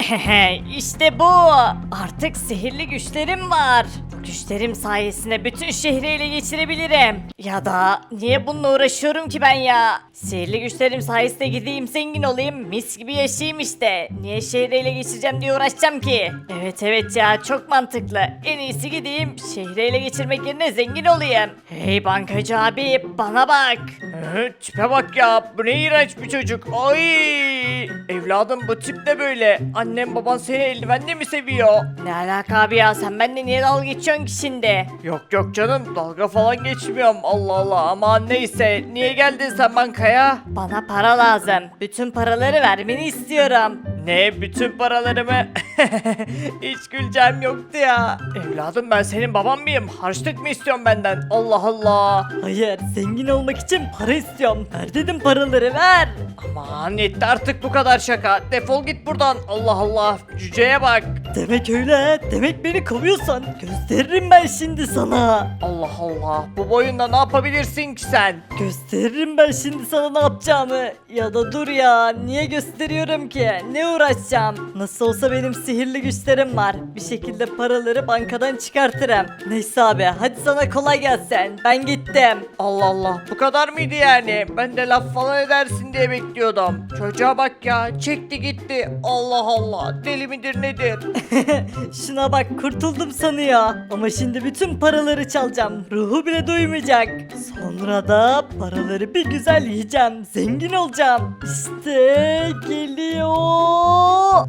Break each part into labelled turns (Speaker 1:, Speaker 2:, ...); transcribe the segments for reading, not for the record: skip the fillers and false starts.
Speaker 1: İşte bu. Artık sihirli güçlerim var. Bu güçlerim sayesinde bütün şehri ele geçirebilirim. Ya da niye bununla uğraşıyorum ki ben ya? Sihirli güçlerim sayesinde gideyim zengin olayım, mis gibi yaşayayım işte. Niye şehri ele geçireceğim diye uğraşacağım ki? Evet ya, çok mantıklı. En iyisi gideyim şehri ele geçirmek yerine zengin olayım. Hey bankacı abi, bana bak. Tipe bak ya, bu ne iğrenç bir çocuk. Ay evladım, bu tip de böyle. Annem baban seni eldivenle mi seviyor? Ne alaka abi ya, sen benimle niye dalga geçiyorsun ki şimdi? Yok canım, dalga falan geçmiyorum. Allah Allah, ama neyse, niye geldin sen bankaya? Bana para lazım. Bütün paraları vermeni istiyorum. Ne, bütün paralarımı? Hiç güleceğim yoktu ya. Evladım, ben senin baban mıyım? Harçlık mı istiyorsun benden? Allah Allah. Hayır, zengin olmak için para istiyorum. Ver dedim, paraları ver. Aman yetti artık bu kadar şaka. Defol git buradan. Allah Allah, cüceye bak. Demek öyle. Demek beni kovuyorsan gösteririm ben şimdi sana. Allah Allah, bu boyunda ne yapabilirsin ki sen? Gösteririm ben şimdi sana ne yapacağımı. Ya da dur ya, niye gösteriyorum ki? Ne uğraşacağım? Nasıl olsa benim sihirli güçlerim var. Bir şekilde paraları bankadan çıkartırım. Neyse abi, hadi sana kolay gelsin. Ben gittim. Allah Allah, bu kadar mıydı yani? Ben de laf falan edersin diye bekliyordum. Çocuğa bak ya, çekti gitti. Allah Allah, deli midir nedir? Şuna bak, kurtuldum sanıyor. Ama şimdi bütün paraları çalacağım. Ruhu bile duymayacak. Sonra da paraları bir güzel yiyeceğim. Zengin olacağım. İşte geliyor.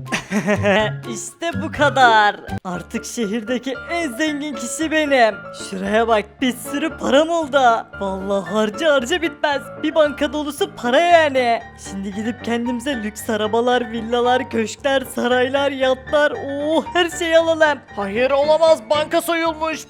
Speaker 1: İşte bu kadar. Artık şehirdeki en zengin kişi benim. Şuraya bak, bir sürü param oldu. Vallahi harca bitmez. Bir banka dolusu para yani. Şimdi gidip kendimize lüks arabalar, villalar, köşkler, saraylar, yatlar, her şeyi alalım. Hayır, olamaz, banka soyulmuş.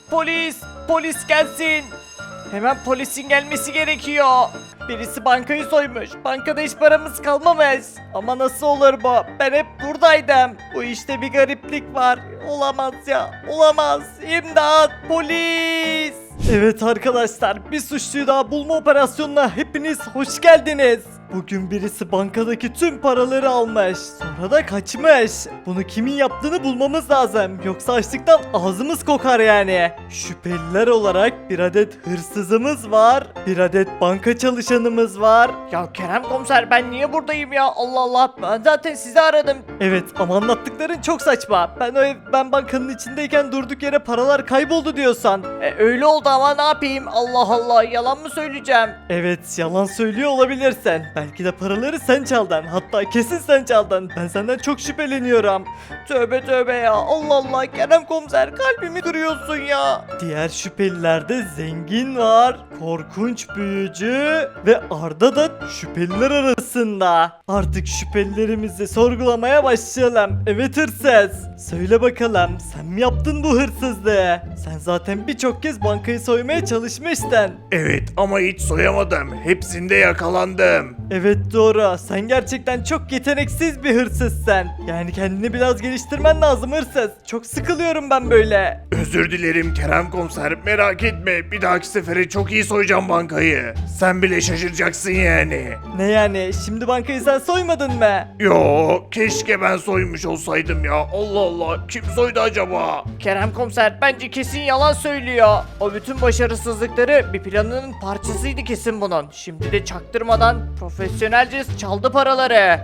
Speaker 1: Polis gelsin. Hemen polisin gelmesi gerekiyor. Birisi bankayı soymuş. Bankada hiç paramız kalmamış. Ama nasıl olur bu? Ben hep buradaydım. Bu işte bir gariplik var. Olamaz ya. Olamaz. İmdat. Polis. Evet arkadaşlar, bir suçluyu daha bulma operasyonuna hepiniz hoş geldiniz. Bugün birisi bankadaki tüm paraları almış. Sonra da kaçmış. Bunu kimin yaptığını bulmamız lazım. Yoksa açlıktan ağzımız kokar yani. Şüpheliler olarak bir adet hırsızımız var. Bir adet banka çalışanımız var. Ya Kerem komiser, ben niye buradayım ya? Allah Allah, ben zaten sizi aradım. Evet, ama anlattıkların çok saçma. Ben bankanın içindeyken durduk yere paralar kayboldu diyorsan. Öyle oldu ama ne yapayım? Allah Allah, yalan mı söyleyeceğim? Evet, yalan söylüyor olabilirsin. Belki de paraları sen çaldın. Hatta kesin sen çaldın. Ben senden çok şüpheleniyorum. Tövbe ya. Allah Allah, Kerem komiser, kalbimi kırıyorsun ya. Diğer şüphelilerde zengin var, korkunç büyücü ve Arda da şüpheliler arasında. Artık şüphelilerimizi sorgulamaya başlayalım. Evet hırsız. Söyle bakalım, sen mi yaptın bu hırsızlığı? Sen zaten birçok kez bankayı soymaya çalışmıştın.
Speaker 2: Evet, ama hiç soyamadım. Hepsinde yakalandım.
Speaker 1: Evet doğru. Sen gerçekten çok yeteneksiz bir hırsızsın. Yani kendini biraz geliştirmen lazım hırsız. Çok sıkılıyorum ben böyle.
Speaker 2: Özür dilerim Kerem komiser, merak etme. Bir dahaki sefere çok iyi soyacağım bankayı. Sen bile şaşıracaksın yani.
Speaker 1: Ne yani? Şimdi bankayı sen soymadın mı?
Speaker 2: Yo, keşke ben soymuş olsaydım ya. Allah Allah, kim soydu acaba?
Speaker 1: Kerem komiser bence kesin yalan söylüyor. O bütün başarısızlıkları bir planının parçasıydı kesin bunun. Şimdi de çaktırmadan profesyonelce çaldı paraları.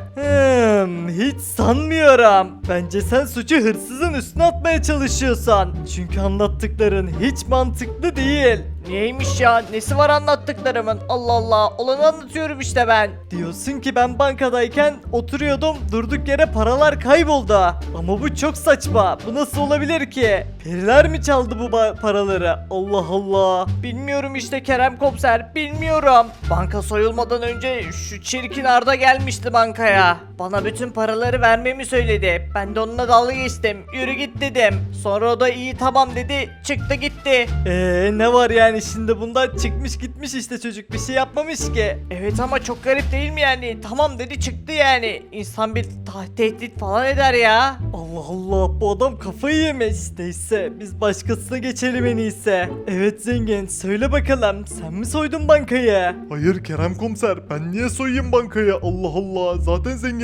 Speaker 1: Hiç sanmıyorum. Bence sen suçu hırsızın üstüne atmaya çalışıyorsun. Çünkü anlattıkların hiç mantıklı değil. Neymiş ya? Nesi var anlattıklarımın? Allah Allah. Olanı anlatıyorum işte ben. Diyorsun ki ben bankadayken oturuyordum, durduk yere paralar kayboldu. Ama bu çok saçma. Bu nasıl olabilir ki? Periler mi çaldı bu paraları? Allah Allah. Bilmiyorum işte Kerem komiser. Bilmiyorum. Banka soyulmadan önce şu çirkin Arda gelmişti bankaya. Bana bütün paraları vermemi söyledi. Ben de onunla dalga geçtim. Yürü git dedim. Sonra o da iyi tamam dedi. Çıktı gitti. Ne var yani şimdi bunda, çıkmış gitmiş işte, çocuk bir şey yapmamış ki. Evet ama çok garip değil mi yani? Tamam dedi, çıktı yani. İnsan bir tehdit falan eder ya. Allah Allah, bu adam kafayı yemiş. Neyse biz başkasına geçelim en iyisi. Evet zengin, söyle bakalım, sen mi soydun bankayı?
Speaker 2: Hayır Kerem komiser, ben niye soyayım bankayı? Allah Allah, zaten zengin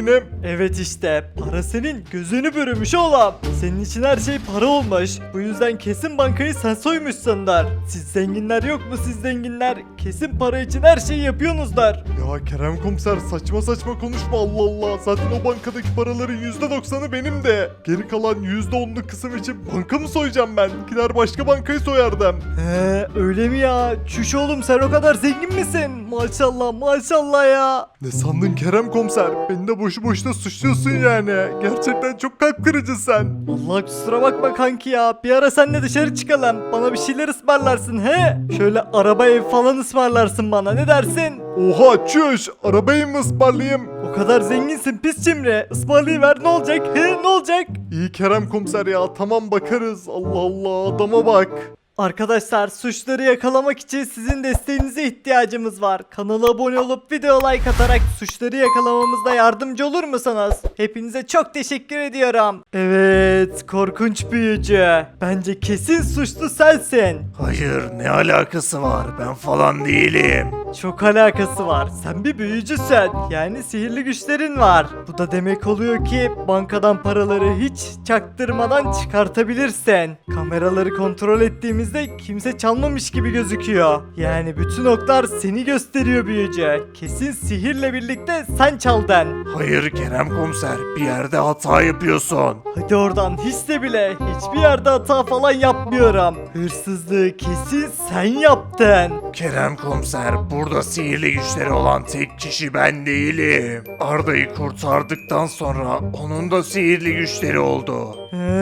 Speaker 3: zenginim? Evet işte para senin gözünü bürümüş oğlum. Senin için her şey para olmuş. Bu yüzden kesin bankayı sen soymuşsundur. Siz zenginler yok mu siz zenginler? Kesin para için her şeyi yapıyorsunuzdur. Ya Kerem komiser saçma saçma konuşma Allah Allah. Zaten o bankadaki paraların %90'ı benim de. Geri kalan %10'luk kısım için banka mı soyacağım ben? Gider başka bankayı soyardım. Öyle mi ya? Çüş oğlum sen o kadar zengin misin? Maşallah maşallah ya. Ne sandın Kerem komiser? Beni de boşu boşuna suçluyorsun yani. Gerçekten çok kalp kırıcı sen. Allah kusura bakma kanki ya. Bir ara seninle dışarı çıkalım. Bana bir şeyler ısmarlarsın he? Şöyle araba ev falan ısmarlarsın bana ne dersin? Oha çüş. Arabayı mı ısmarlayayım? O kadar zenginsin pis cimri. Ismarlayıver ne olacak? He ne olacak? İyi Kerem komiser ya. Tamam bakarız. Allah Allah adama bak. Arkadaşlar suçları yakalamak için sizin desteğinize ihtiyacımız var. Kanala abone olup video like atarak suçları yakalamamızda yardımcı olur musunuz? Hepinize çok teşekkür ediyorum. Evet korkunç büyücü. Bence kesin suçlu sensin.
Speaker 2: Hayır, ne alakası var? Ben falan değilim.
Speaker 3: Çok alakası var. Sen bir büyücüsün. Yani sihirli güçlerin var. Bu da demek oluyor ki bankadan paraları hiç çaktırmadan çıkartabilirsin. Kameraları kontrol ettiğimizde kimse çalmamış gibi gözüküyor. Yani bütün oklar seni gösteriyor büyücü. Kesin sihirle birlikte sen çaldın.
Speaker 2: Hayır Kerem komiser, bir yerde hata yapıyorsun.
Speaker 3: Hadi oradan hiç de bile hiçbir yerde hata falan yapmıyorum. Hırsızlığı kesin sen yaptın.
Speaker 2: Kerem komiser, burada sihirli güçleri olan tek kişi ben değilim. Arda'yı kurtardıktan sonra onun da sihirli güçleri oldu.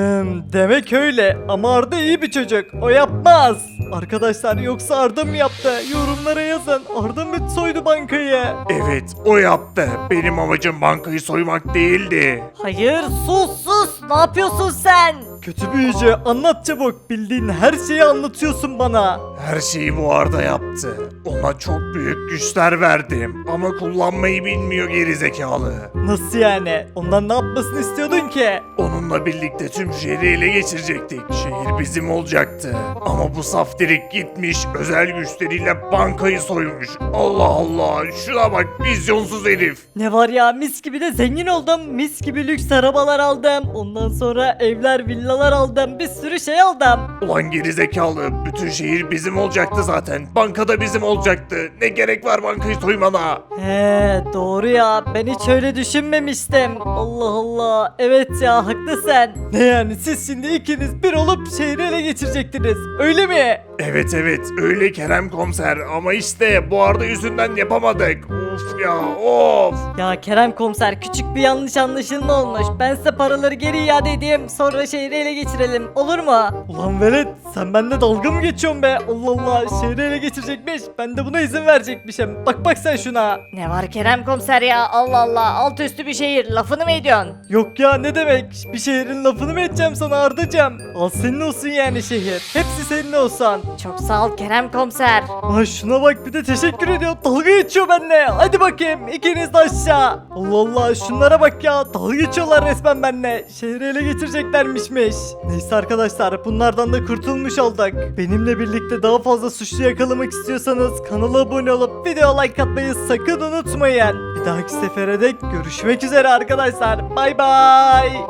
Speaker 3: Demek öyle ama Arda iyi bir çocuk o yapmaz. Arkadaşlar yoksa Arda mı yaptı? Yorumlara yazın. Arda mı soydu bankayı?
Speaker 2: Evet, o yaptı. Benim amacım bankayı soymak değildi.
Speaker 1: Hayır sus ne yapıyorsun sen?
Speaker 3: Kötü büyücü anlat çabuk. Bildiğin her şeyi anlatıyorsun bana.
Speaker 2: Her şeyi bu Arda yaptı. Ona çok büyük güçler verdim ama kullanmayı bilmiyor gerizekalı.
Speaker 3: Nasıl yani? Ondan ne yapmasını istiyordun ki?
Speaker 2: Onunla birlikte tüm şehri ele geçirecektik. Şehir bizim olacaktı. Ama bu saftirik gitmiş özel güçleriyle bankayı soymuş. Allah Allah, şuna bak, vizyonsuz herif.
Speaker 1: Ne var ya mis gibi de zengin oldum. Mis gibi lüks arabalar aldım. Ondan sonra evler villalar aldım. Bir sürü şey aldım.
Speaker 2: Ulan gerizekalı, bütün şehir bizim olacaktı zaten. Bankada bizim olacaktı. Ne gerek var bankayı soymana?
Speaker 1: He doğru ya ben hiç öyle düşünmemiştim. Allah Allah evet ya haklısın.
Speaker 3: Ne yani siz şimdi ikiniz bir olup şehri ele geçirecektiniz öyle mi?
Speaker 2: Evet öyle Kerem komiser ama işte bu Arda yüzünden yapamadık. Of ya of.
Speaker 1: Ya Kerem komiser küçük bir yanlış anlaşılma olmuş. Ben size paraları geri iade edeyim sonra şehri ele geçirelim olur mu?
Speaker 3: Ulan velet sen bende dalga mı geçiyorsun be? Allah Allah şehri ele geçirecekmiş. Ben de buna izin verecekmişim. Bak sen şuna.
Speaker 1: Ne var Kerem komiser ya Allah Allah alt üstü bir şehir lafını mı ediyorsun?
Speaker 3: Yok ya ne demek? Bir şehrin lafını mı edeceğim sana Ardacığım? Al senin olsun yani şehir. Hepsi senin olsun.
Speaker 1: Çok sağ ol Kerem komiser.
Speaker 3: Ay şuna bak bir de teşekkür ediyor. Dalga geçiyor benimle. Hadi bakayım ikiniz de aşağı. Allah Allah şunlara bak ya. Dalga geçiyorlar resmen benimle. Şehri ele geçireceklermişmiş. Neyse arkadaşlar bunlardan da kurtulmuş olduk. Benimle birlikte daha fazla suçlu yakalamak istiyorsanız kanala abone olup video like atmayı sakın unutmayın. Bir dahaki sefere dek görüşmek üzere arkadaşlar. Bay bay.